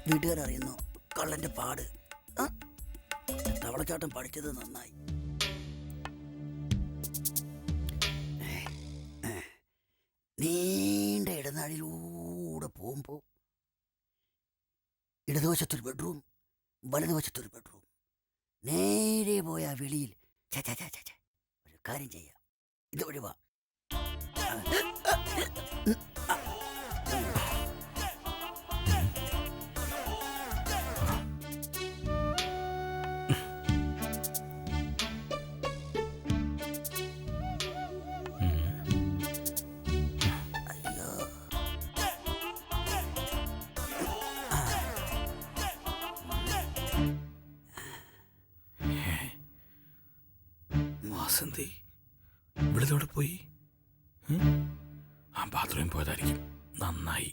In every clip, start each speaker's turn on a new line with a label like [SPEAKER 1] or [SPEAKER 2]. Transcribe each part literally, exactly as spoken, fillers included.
[SPEAKER 1] വീട്ടുകാരറിയുന്നു കള്ളന്റെ പാട്. തവളച്ചാട്ടം പഠിച്ചത് നന്നായി. നീണ്ട ഇടനാഴിലൂടെ പോകുമ്പോൾ ഇടതുവശത്തൊരു ബെഡ്റൂം, വലതുവശത്തൊരു ബെഡ്റൂം. നേരെ പോയ വെളിയിൽ ഒരു കാര്യം ചെയ്യാം, ഇതുവഴി വാ.
[SPEAKER 2] വാസന്തി ഇവിടുത്തോടെ പോയി. ആ ബാത്റൂമിൽ പോയതായിരിക്കും. നന്നായി.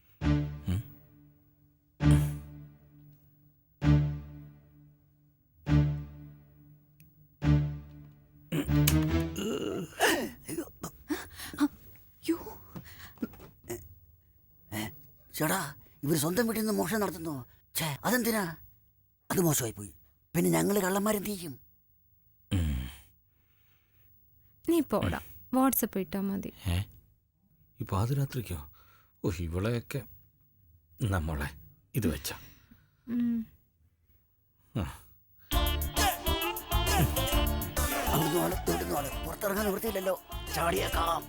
[SPEAKER 1] ചേടാ, ഇവർ സ്വന്തം വീട്ടിൽ നിന്ന് മോഷണം നടത്തുന്നു. ഛേ, അതെന്തിനാ? അത് മോശമായി പോയി. പിന്നെ ഞങ്ങള് കള്ളന്മാരെന്ത് ചെയ്യും?
[SPEAKER 3] നീ പോടാ, വാട്സപ്പ് ഇട്ടാ മതി.
[SPEAKER 2] ഏ ഈ പാതിരാത്രിക്കോ? ഓ, ഇവളെയൊക്കെ നമ്മളെ ഇത് വെച്ച
[SPEAKER 1] പുറത്തിറങ്ങാൻ നിവൃത്തിയില്ലല്ലോ. ചാടിയേക്കാം.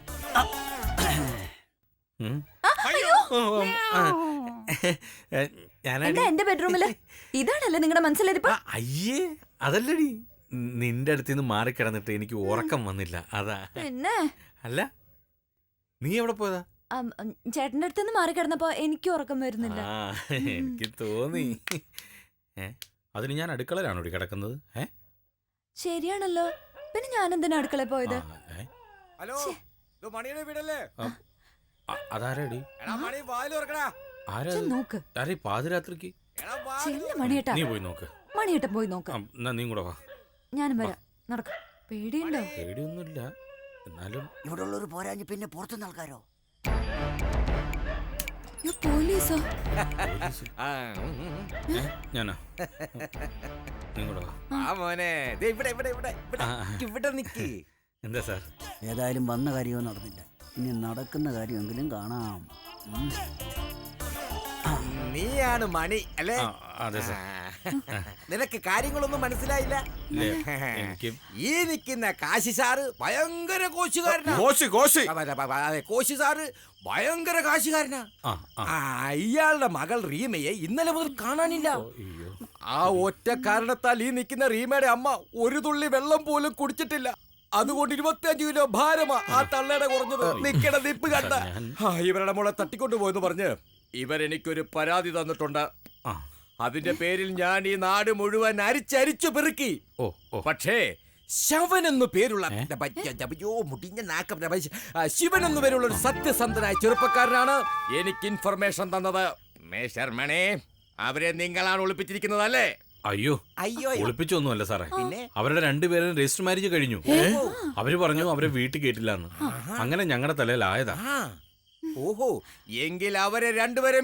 [SPEAKER 4] എന്റെ ബെഡ്റൂമില് ഇതാണല്ലേ നിങ്ങളുടെ മനസ്സിലിരിപ്പ്?
[SPEAKER 2] അയ്യേ, അതല്ലടി, നിന്റെ അടുത്ത് നിന്ന് മാറിക്കിടന്നിട്ട് എനിക്ക് ഉറക്കം വന്നില്ല, അതാ.
[SPEAKER 4] പിന്നെ
[SPEAKER 2] അല്ല, നീ എവിടെ പോയതാ?
[SPEAKER 4] ചേട്ടന്റെ അടുത്ത് നിന്ന് മാറിക്കിടന്നപ്പോ എനിക്ക് ഉറക്കം വരുന്നില്ല.
[SPEAKER 2] എനിക്ക് തോന്നി. ഏ അതിന് ഞാൻ അടുക്കളയിലാണോ കിടക്കുന്നത്? ഏ
[SPEAKER 4] ശരിയാണല്ലോ, പിന്നെ ഞാൻ എന്തിനാ അടുക്കളയിൽ പോയത്?
[SPEAKER 5] ഹലോ, മണിയുടെ വീടല്ലേ?
[SPEAKER 2] അതാരടി?
[SPEAKER 4] നോക്ക്,
[SPEAKER 2] പാതിരാത്രിക്ക്
[SPEAKER 4] മണിയേട്ടാ.
[SPEAKER 2] നീ പോയി നോക്ക്.
[SPEAKER 4] മണിയേട്ടൻ പോയി നോക്കാം.
[SPEAKER 2] നീ കൂടെ വാ.
[SPEAKER 4] ഞാനും വരാം. നടക്ക. പേടിയുണ്ടോ?
[SPEAKER 2] പേടിയൊന്നുമില്ല, എന്നാലും
[SPEAKER 1] ഇവിടെ ഉള്ളൊരു പോരാഞ്ഞ് പിന്നെ പുറത്തുനിന്ന് ആൾക്കാരോ?
[SPEAKER 4] പോലീസോ?
[SPEAKER 2] ഞാനാ? നീ കൂടെ വാ. എന്താ സാർ?
[SPEAKER 1] ഏതായാലും വന്ന കാര്യമോ നടന്നില്ല, ഇനി നടക്കുന്ന കാര്യമെങ്കിലും കാണാം.
[SPEAKER 5] നീയാണ് മണി അല്ലേ?
[SPEAKER 2] അതെ സാർ.
[SPEAKER 5] നിനക്ക് കാര്യങ്ങളൊന്നും മനസ്സിലായില്ല. ഈ നിൽക്കുന്ന കാശി സാറ് ഭയങ്കര കോശുകാരനാ. അതെ, കോശി സാറ് ഭയങ്കര കാശുകാരനാ. ഇയാളുടെ മകൾ റീമയെ ഇന്നലെ മുതൽ കാണാനില്ല. ആ ഒറ്റ കാരണത്താൽ ഈ നിൽക്കുന്ന റീമയുടെ അമ്മ ഒരു തുള്ളി വെള്ളം പോലും കുടിച്ചിട്ടില്ല. അതുകൊണ്ട് ഇരുപത്തിയഞ്ചു കിലോ ഭാരമാ ആ തള്ളയുടെ കുറഞ്ഞത്. നിക്കണ നിപ്പ് കണ്ട. ഇവരുടെ മോളെ തട്ടിക്കൊണ്ടു പോയെന്ന് പറഞ്ഞ് ഇവരെനിക്കൊരു പരാതി തന്നിട്ടുണ്ട്. അതിന്റെ പേരിൽ ഞാൻ ഈ നാട് മുഴുവൻ അരിച്ചരിച്ചു പെറുക്കി. പക്ഷേ ശവൻ എന്നു പേരുള്ള മുടിഞ്ഞ നാക്കം ശിവൻ എന്നു പേരുള്ള ഒരു സത്യസന്ധനായ ചെറുപ്പക്കാരനാണ് എനിക്ക് ഇൻഫർമേഷൻ തന്നത്. മേശർമണേ, അവരെ നിങ്ങളാണ് ഒളിപ്പിച്ചിരിക്കുന്നത് അല്ലേ?
[SPEAKER 2] അയ്യോ അയ്യോ ഒളിപ്പിച്ചൊന്നുമല്ല സാറേ. അവരുടെ രണ്ടുപേരും രജിസ്റ്റർ മാരേജ് കഴിഞ്ഞു. അവര് പറഞ്ഞു അവരെ വീട്ടിൽ കേട്ടില്ലാന്ന്. അങ്ങനെ ഞങ്ങളുടെ തലയിലായതാ.
[SPEAKER 5] ഓഹോ, എങ്കിൽ അവരെ രണ്ടുപേരെയും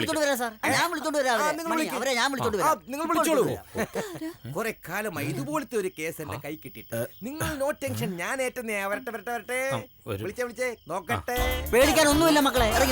[SPEAKER 5] നിങ്ങൾ വിളിച്ചോളൂ. കുറെ കാലമായി ഇതുപോലത്തെ ഒരു കേസ് എന്റെ കൈ കിട്ടിയിട്ട്. നിങ്ങൾ നോ ടെൻഷൻ, ഞാൻ ഏറ്റെന്നേ. വരട്ടെ വരട്ടെ വരട്ടെ, വിളിച്ചേ വിളിച്ചേ നോക്കട്ടെ.
[SPEAKER 1] പേടിക്കാൻ ഒന്നുമില്ല മക്കളെ, ഇറങ്ങി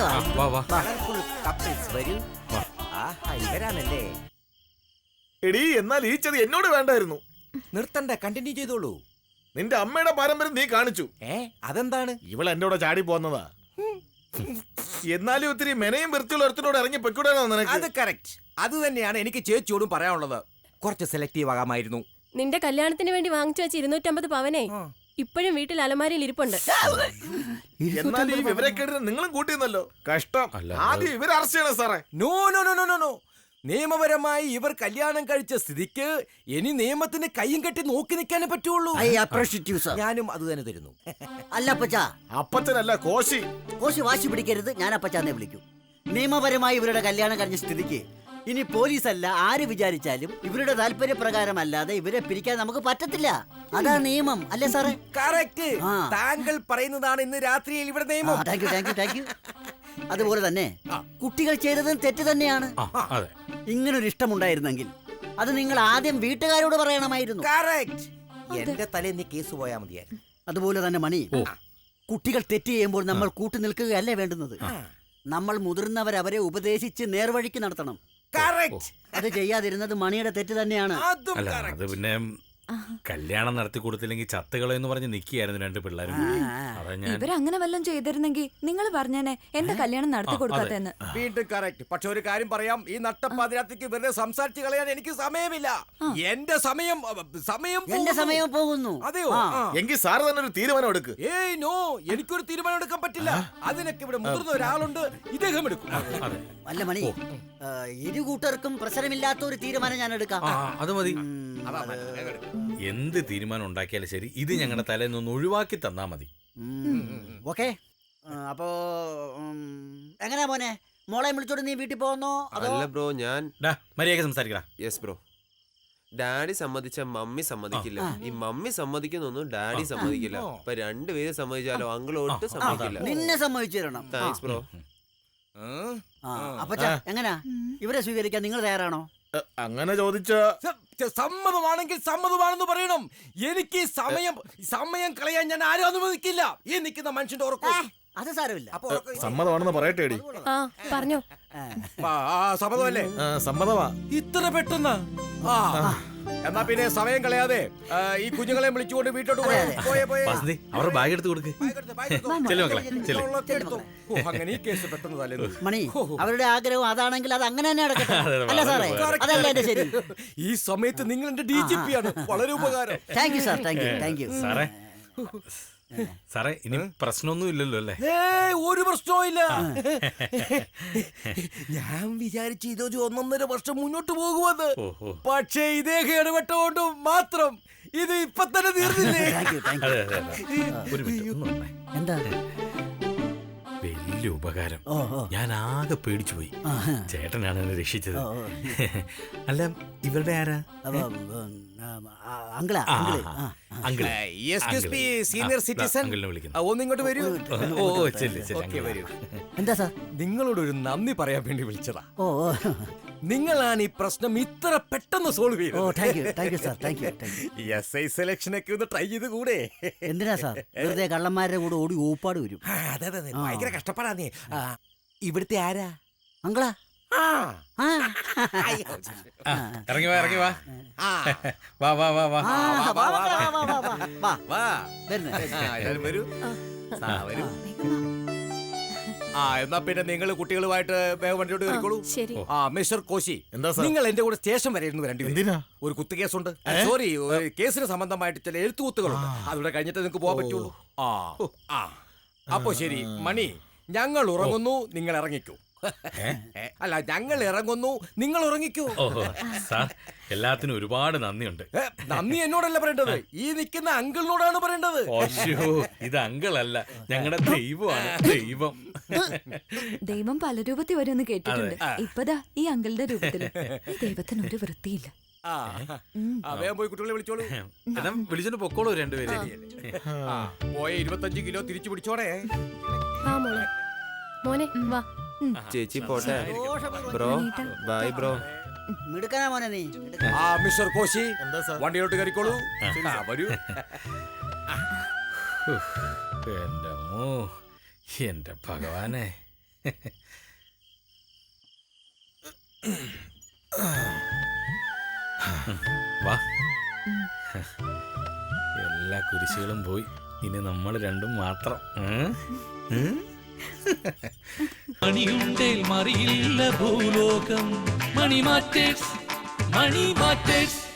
[SPEAKER 5] വരൂ. ആഹാ, ഇവരാണല്ലേ?
[SPEAKER 6] എടീ, എന്നാൽ ഈ ചതി എന്നോട് വേണ്ടായിരുന്നു.
[SPEAKER 5] നിർത്തണ്ട, കണ്ടിന്യൂ ചെയ്തോളൂ.
[SPEAKER 6] നിന്റെ അമ്മയുടെ പാരമ്പര്യം നീ കാണിച്ചു.
[SPEAKER 5] ഏ അതെന്താണ്?
[SPEAKER 6] ഇവൾ എന്നോട് ചാടി പോന്നതാ. എന്നാലും ഒത്തിരി മെനയും വൃത്തിയുള്ള ഒരുത്തിനോട് ഇറങ്ങി പൊയ്ക്കൂടാനോ നിനക്ക്?
[SPEAKER 5] അത് കറക്റ്റ്. അത് തന്നെയാണ് എനിക്ക് ചേച്ചിയോടും പറയാനുള്ളത്. കുറച്ച് സെലക്റ്റീവ് ആകാമായിരുന്നു.
[SPEAKER 7] നിന്റെ കല്യാണത്തിന് വേണ്ടി വാങ്ങിച്ചു വെച്ച ഇരുന്നൂറ്റമ്പത് പവനെ ഇപ്പോഴും വീട്ടിൽ അലമാരയിൽ ഇരിപ്പുണ്ട്.
[SPEAKER 6] എന്നാൽ ഈ വിവരക്കേടിന് നിങ്ങളും കൂട്ടിയെന്നല്ലോ. കഷ്ടം. ആദ്യം ഇവർ അറസ്റ്റ് ചെയ്യണം സാറേ.
[SPEAKER 5] No no no no no നിയമപരമായി ഇവർ കല്യാണം കഴിച്ച സ്ഥിതിക്ക് ഇനി നിയമത്തിന് കയ്യും കെട്ടി നോക്കി നിൽക്കാനേ പറ്റുള്ളൂ. ഞാനും അത് തന്നെ തരുന്നു.
[SPEAKER 1] അല്ല അപ്പച്ചാ,
[SPEAKER 6] അപ്പച്ചനല്ല കോശി.
[SPEAKER 1] കോശി വാശി പിടിക്കരുത്, ഞാൻ അപ്പച്ചാന്നെ വിളിക്കും. നിയമപരമായി ഇവരുടെ കല്യാണം കഴിഞ്ഞ സ്ഥിതിക്ക് ഇനി പോലീസല്ല ആര് വിചാരിച്ചാലും ഇവരുടെ താല്പര്യപ്രകാരമല്ലാതെ ഇവരെ പിരിക്കാൻ നമുക്ക് പറ്റത്തില്ല. അതാണ് നിയമം, അല്ലേ സാറേ?
[SPEAKER 5] കറക്റ്റ്. താങ്കൾ പറയുന്നതാണ് ഇന്ന് രാത്രിയിൽ ഇവിടെ നിയമം.
[SPEAKER 1] Thank you thank you thank you അതുപോലെ തന്നെ കുട്ടികൾ ചെയ്തതും തെറ്റ് തന്നെയാണ്. ഇങ്ങനൊരു ഇഷ്ടമുണ്ടായിരുന്നെങ്കിൽ അത് നിങ്ങൾ ആദ്യം വീട്ടുകാരോട് പറയണമായിരുന്നു.
[SPEAKER 5] Correct. എന്റെ തലേന്ന് കേസ് പോയാ മതിയായിരുന്നു.
[SPEAKER 1] അതുപോലെ തന്നെ മണി, കുട്ടികൾ തെറ്റ് ചെയ്യുമ്പോൾ നമ്മൾ കൂട്ടു നിൽക്കുകയല്ലേ വേണ്ടുന്നത്. നമ്മൾ മുതിർന്നവർ അവരെ ഉപദേശിച്ച് നേർവഴിക്ക് നടത്തണം.
[SPEAKER 5] Correct.
[SPEAKER 1] അത് ചെയ്യാതിരുന്നത് മണിയുടെ തെറ്റ് തന്നെയാണ്.
[SPEAKER 5] അതും
[SPEAKER 2] അല്ല
[SPEAKER 5] correct.
[SPEAKER 2] അത് പിന്നെ കല്യാണം നടത്തി കൊടുത്തില്ലെങ്കിൽ ചത്തുകളോ എന്ന് പറഞ്ഞ് നിൽക്കുകയായിരുന്നു രണ്ട് പിള്ളേരും കൂടി. അതാ ഞാൻ
[SPEAKER 4] ഇവരങ്ങനെ വല്ലതും ചെയ്തിരുന്നെങ്കിൽ നിങ്ങൾ പറഞ്ഞേനെ എന്റെ കല്യാണം നടത്തി കൊടുക്കാത്തെന്ന്.
[SPEAKER 5] വീണ്ടും കറക്റ്റ്. പക്ഷെ ഒരു കാര്യം പറയാം, ഈ നട്ടപ്പാതിരാത്രിക്ക് വെറുതെ സംസാരിച്ച് കളയാൻ എനിക്ക് സമയമില്ല. എന്റെ സമയം സമയം
[SPEAKER 1] എന്റെ
[SPEAKER 5] പോകുന്നു.
[SPEAKER 1] സമയം പോകുന്നു.
[SPEAKER 5] അതെയോ?
[SPEAKER 1] ആ.
[SPEAKER 5] ആ.
[SPEAKER 6] എങ്കിൽ സാറ് തന്നെ ഒരു തീരുമാനം എടുക്ക്.
[SPEAKER 5] ഏയ് നോ, എനിക്കൊരു തീരുമാനം എടുക്കാൻ പറ്റില്ല. അതിനൊക്കെ ഇവിടെ മുതിർന്ന ഒരാളുണ്ട്, ഇദ്ദേഹം എടുക്കും.
[SPEAKER 2] അതെ
[SPEAKER 1] അല്ല മണി, ആ, ഇരു കൂട്ടർക്കും പ്രശ്നമില്ലാത്ത ഒരു തീരുമാനം ഞാൻ എടുക്കാം.
[SPEAKER 2] ആ അത് മതി.
[SPEAKER 5] അതാ മതി, വേഗം എടുക്ക്.
[SPEAKER 2] എന്ത് തീരുമാനം ഉണ്ടാക്കിയാലും ശരി ഇത് ഞങ്ങളുടെ തലേന്നൊന്ന് ഒഴിവാക്കി തന്നാ മതി.
[SPEAKER 1] ഓക്കെ, അപ്പോ ഉം, എങ്ങനെയാ മോനെ, മോളെ വിളിച്ചോണ്ട് നീ വീട്ടിൽ പോകുന്നോ അതോ?
[SPEAKER 8] അല്ല ബ്രോ, ഞാൻ
[SPEAKER 2] ഡാ മര്യാദ സംസാരിക്കടാ.
[SPEAKER 8] Yes bro. ഡാഡി സമ്മതിച്ച മമ്മി സമ്മതിക്കില്ല, ഈ മമ്മി സമ്മതിക്കുന്നൊന്നും ഡാഡി സമ്മതിക്കില്ല. അപ്പൊ രണ്ടുപേരും സമ്മതിച്ചാലോ അങ്കിൾ ഒട്ടും സമ്മതിക്കില്ല.
[SPEAKER 1] നിന്നെ സമ്മതിച്ചു തരണം.
[SPEAKER 8] Thanks bro.
[SPEAKER 5] ഉം.
[SPEAKER 1] ആ, അപ്പച്ചാ എങ്ങനാ, ഇവരെ സ്വീകരിക്കാൻ നിങ്ങൾ തയ്യാറാണോ?
[SPEAKER 6] എ, അങ്ങനെ ചോദിച്ച
[SPEAKER 5] സ- സ- സമ്മതമാണെങ്കിൽ സമ്മതമാണെന്ന് പറയണം. എനിക്ക് ഈ സമയം സമയം കളയാൻ ഞാൻ ആരും അനുവദിക്കില്ല. ഈ നിൽക്കുന്ന മനുഷ്യന്റെ ഉറക്കം.
[SPEAKER 1] അത് സാരമില്ല.
[SPEAKER 5] അപ്പൊ ഉറക്കം-
[SPEAKER 6] സമ്മതമാണെന്ന് പറയട്ടേടി.
[SPEAKER 7] ആ പറഞ്ഞോ.
[SPEAKER 5] ആ, ആ, സമ്മതമല്ലേ?
[SPEAKER 6] ആ, സമ്മതമാ.
[SPEAKER 5] ഇത്ര പെട്ടെന്ന്? ആ. എന്നാ പിന്നെ സമയം കളയാതെ ആ, ഈ കുഞ്ഞുങ്ങളെ വിളിച്ചുകൊണ്ട് വീട്ടോട്ട് പോയെ, പോയെ, പോയെ.
[SPEAKER 2] വസന്തി അവരുടെ ബാഗ് എടുത്ത് കൊടുക്ക്.
[SPEAKER 5] ബാഗ് എടുത്തോ, ബാഗ് എടുത്തോ.
[SPEAKER 2] ചെല്ലു മക്കളെ ചെല്ലു.
[SPEAKER 5] ഉള്ളതൊക്കെ എടുത്തോ. ഓ, അങ്ങനെ ഈ കേസ് പെട്ടെന്ന് തലേന്ന്.
[SPEAKER 1] മണി, അവരുടെ ആഗ്രഹം അതാണെങ്കിൽ അത് അങ്ങനെ തന്നെ നടക്കട്ടെ.
[SPEAKER 2] അതെ, അതെ,
[SPEAKER 1] അല്ല സാറേ,
[SPEAKER 2] വളരെ
[SPEAKER 1] അതല്ല എന്റെ ശരി.
[SPEAKER 5] ഈ സമയത്ത് നിങ്ങൾ എന്റെ ഡി ജി പി ആണ്. വളരെ ഉപകാരം.
[SPEAKER 1] Thank you sir, thank you, thank you.
[SPEAKER 2] സാറേ സാറേ ഇനി പ്രശ്നമൊന്നും ഇല്ലല്ലോ അല്ലേ?
[SPEAKER 5] ഏയ്, ഒരു പ്രശ്നവും ഇല്ല. ഞാൻ വിചാരിച്ചു ഇതൊരു ഒന്നൊന്നര വർഷം മുന്നോട്ട് പോകുമെന്ന്.
[SPEAKER 2] ഓഹോ.
[SPEAKER 5] പക്ഷേ ഇദ്ദേഹം ഇടപെട്ടുകൊണ്ട് മാത്രം ഇത് ഇപ്പൊ തന്നെ തീർന്നില്ലേ?
[SPEAKER 1] Thank you, thank you.
[SPEAKER 2] അതെ അതെ അതെ. ഒരു മിനിറ്റ് ഒന്ന് വന്നേ.
[SPEAKER 1] എന്താ?
[SPEAKER 2] വലിയ ഉപകാരം.
[SPEAKER 1] ഓ ഓ
[SPEAKER 2] ഞാൻ ആകെ പേടിച്ചു പോയി. ചേട്ടനാണ് എന്നെ രക്ഷിച്ചത്. അല്ല ഇവരുടെ ആരാ?
[SPEAKER 1] അപ്പൊ, ഉം, ആ, അങ്കിളാ, അങ്കിള്. ആ, ആ.
[SPEAKER 2] Uncle.
[SPEAKER 5] Excuse me, senior citizen.
[SPEAKER 2] അങ്കിളിനെ വിളിക്കുന്നു.
[SPEAKER 5] ഒന്ന് ഇങ്ങോട്ട് വരൂ.
[SPEAKER 2] ഓ ഓ, ചെല്ല് ചെല്ല്
[SPEAKER 5] ഓക്കേ,
[SPEAKER 2] അങ്കിൾ.
[SPEAKER 5] വരൂ.
[SPEAKER 1] എന്താ സാർ?
[SPEAKER 5] നിങ്ങളോട് ഒരു നന്ദി പറയാൻ വേണ്ടി വിളിച്ചതാ.
[SPEAKER 1] ഓ ഓ
[SPEAKER 5] നിങ്ങളാണ് ഈ പ്രശ്നം ഇത്ര പെട്ടെന്ന് സോൾവ്
[SPEAKER 1] ഓ
[SPEAKER 5] ചെയ്തത്.
[SPEAKER 1] Thank you, thank you sir, thank you, thank you.
[SPEAKER 5] S I selection ഒക്കെ ഒന്ന് ട്രൈ ചെയ്ത് കൂടെ?
[SPEAKER 1] എന്തിനാ സാർ വെറുതെ കള്ളന്മാരുടെ കൂടെ ഓടി ഊപ്പാട് വരും?
[SPEAKER 5] ആ, അതെ അതെ അതെ, ഭയങ്കര കഷ്ടപ്പാടാ നീ. ആ, ഇവിടുത്തെ ആരാ?
[SPEAKER 1] അങ്കിളാ.
[SPEAKER 5] ആ.
[SPEAKER 1] ആ.
[SPEAKER 2] ആ, ഇറങ്ങി വാ ഇറങ്ങി വാ.
[SPEAKER 5] ആ.
[SPEAKER 2] വാ വാ വാ വാ.
[SPEAKER 1] ആ, വാ, വാ, വാ, വാ, വാ, വാ, വാ.
[SPEAKER 5] വാ.
[SPEAKER 1] വരുന്നേ.
[SPEAKER 5] ആ, എല്ലാവരും വരൂ. ആ, വരൂ. ആ, എന്നാ പിന്നെ നിങ്ങൾ കുട്ടികളുമായിട്ട് വേഗം വണ്ടിയോട്ട് കയറിക്കോളൂ.
[SPEAKER 7] ശരി.
[SPEAKER 5] ആ, മിസ്റ്റർ കോശി,
[SPEAKER 6] എന്താ സാർ?
[SPEAKER 5] നിങ്ങൾ എന്റെ കൂടെ സ്റ്റേഷൻ വരെ ഇരുന്ന് വരേണ്ടി വരും.
[SPEAKER 6] എന്തിനാ?
[SPEAKER 5] ഒരു കുത്തു കേസുണ്ട്. സോറി, ഒരു കേസിന് സംബന്ധമായിട്ട് ചില എഴുത്തുകുത്തുകളുണ്ട്. അതുകൂടെ കഴിഞ്ഞിട്ട് നിങ്ങൾക്ക് പോകാൻ പറ്റുള്ളൂ. ആ ആ അപ്പൊ ശരി മണി, ഞങ്ങൾ ഉറങ്ങുന്നു, നിങ്ങൾ ഇറങ്ങിക്കൂ. ഏ, അല്ല, ഞങ്ങൾ ഇറങ്ങുന്നു, നിങ്ങൾ ഉറങ്ങിക്കൂ.
[SPEAKER 2] ഓഹോ സാർ എല്ലാത്തിനും ഒരുപാട് നന്ദിയുണ്ട്.
[SPEAKER 5] ഏ, നന്ദി എന്നോടല്ല പറയേണ്ടത്, ഈ നിൽക്കുന്ന അങ്കിളിനോടാണ് പറയേണ്ടത്.
[SPEAKER 2] ഓശോ ഇത് അങ്കിളല്ല, ഞങ്ങളുടെ ദൈവമാണ്. ദൈവം.
[SPEAKER 4] ദൈവം പല രൂപത്തിൽ വരുമെന്ന് കേട്ടിട്ടുണ്ട്. ഇപ്പതാ ഈ അങ്കിളുടെ രൂപത്തില്. ഈ ദൈവത്തിന് ഒരു വൃത്തിയില്ല.
[SPEAKER 5] ആ, ആ, വേഗം പോയി കുട്ടികളെ വിളിച്ചോളൂ.
[SPEAKER 2] എന്നാ വിളിച്ചോണ്ട് പൊക്കോളൂ രണ്ടുപേരെ.
[SPEAKER 5] ആ, പോയ ഇരുപത്തഞ്ച് കിലോ തിരിച്ചു പിടിച്ചോടെ.
[SPEAKER 7] ആ മോളെ, മോനെ വാ.
[SPEAKER 8] ചേച്ചി പോട്ടെ. Bro bye bro.
[SPEAKER 1] മിടുക്കനാ മോനെ നീ. മിടുക്കൻ.
[SPEAKER 5] ആ, മിസ്റ്റർ കോശി,
[SPEAKER 6] എന്താ സാർ?
[SPEAKER 5] വണ്ടിയിലോട്ട് കയറിക്കോളൂ. ആ, വരൂ.
[SPEAKER 2] എന്റെ അമ്മോ, എന്റെ ഭഗവാനെ. വാ. എല്ലാ കുരിശുകളും പോയി, ഇനി നമ്മൾ രണ്ടും മാത്രം. ഉം? ഉം?
[SPEAKER 9] മണിയുണ്ടേൽ മറിയില്ല ഭൂലോകം. Money matters, money matters.